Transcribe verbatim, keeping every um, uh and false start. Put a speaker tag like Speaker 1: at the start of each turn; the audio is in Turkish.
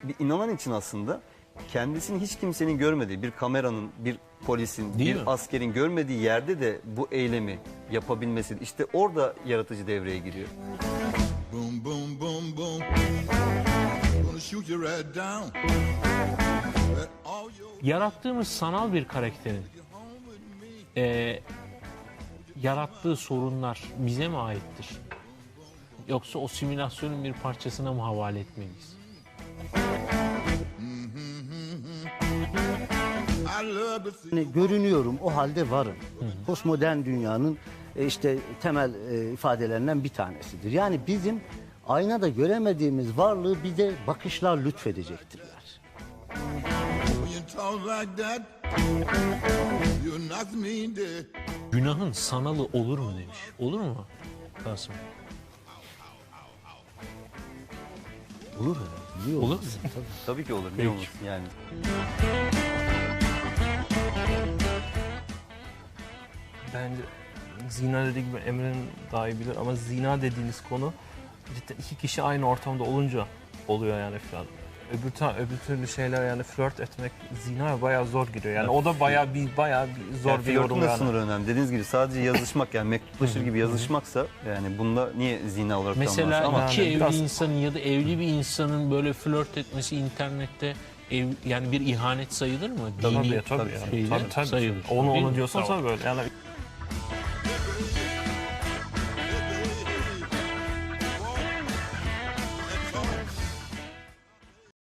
Speaker 1: bir inanan için aslında kendisini hiç kimsenin görmediği, bir kameranın, bir polisin,
Speaker 2: Değil
Speaker 1: bir
Speaker 2: mi?
Speaker 1: askerin görmediği yerde de bu eylemi yapabilmesi, işte orada yaratıcı devreye giriyor.
Speaker 3: Boom, boom, boom, boom. Gonna shoot you right down. Let all your
Speaker 2: Yarattığımız sanal bir karakterin e, yarattığı sorunlar bize mi aittir? Yoksa o simülasyonun bir parçasına mı havale etmeliyiz?
Speaker 3: I love to see.
Speaker 4: Yani görünüyorum, o halde varım. Postmodern dünyanın e, işte temel e, ifadelerinden bir tanesidir. Yani bizim aynada göremediğimiz varlığı bize bakışlar lütfedecektirler.
Speaker 3: When you talk like that, you knock me dead.
Speaker 2: Günahın sanalı olur mu demiş. Olur mu Kasım?
Speaker 4: Olur herhalde. Niye
Speaker 2: Olur mu?
Speaker 4: olmasın? Tabii.
Speaker 1: Tabii ki olur.
Speaker 2: Peki.
Speaker 1: Ne olursun yani.
Speaker 5: Bence zina dediği gibi Emre'nin daha iyi bilir ama zina dediğiniz konu cidden iki kişi aynı ortamda olunca oluyor yani falan. Öbür, ta, öbür türlü şeyler yani flört etmek zinaya bayağı zor giriyor. Yani o da bayağı bir bayağı bir zor
Speaker 1: Yani
Speaker 5: bir
Speaker 1: flörtün
Speaker 5: yorum
Speaker 1: de
Speaker 5: yani.
Speaker 1: sınırı önemli. Dediğiniz gibi sadece yazışmak, yani mektuplaşır gibi yazışmaksa yani bunda niye zina olarak
Speaker 2: Mesela
Speaker 1: tanımlansın? Ama
Speaker 2: iki
Speaker 5: yani
Speaker 2: evli
Speaker 5: biraz-
Speaker 2: insanın ya da evli bir insanın böyle flört etmesi internette ev, yani bir ihanet sayılır mı?
Speaker 5: Tabii
Speaker 2: Dini
Speaker 5: tabii.
Speaker 2: şeyler
Speaker 5: Tabii, tabii.
Speaker 2: sayılır.
Speaker 5: Onu
Speaker 2: Değil
Speaker 5: onu
Speaker 2: mi?
Speaker 5: diyorsan
Speaker 2: Tamam.
Speaker 5: tabii böyle. Yani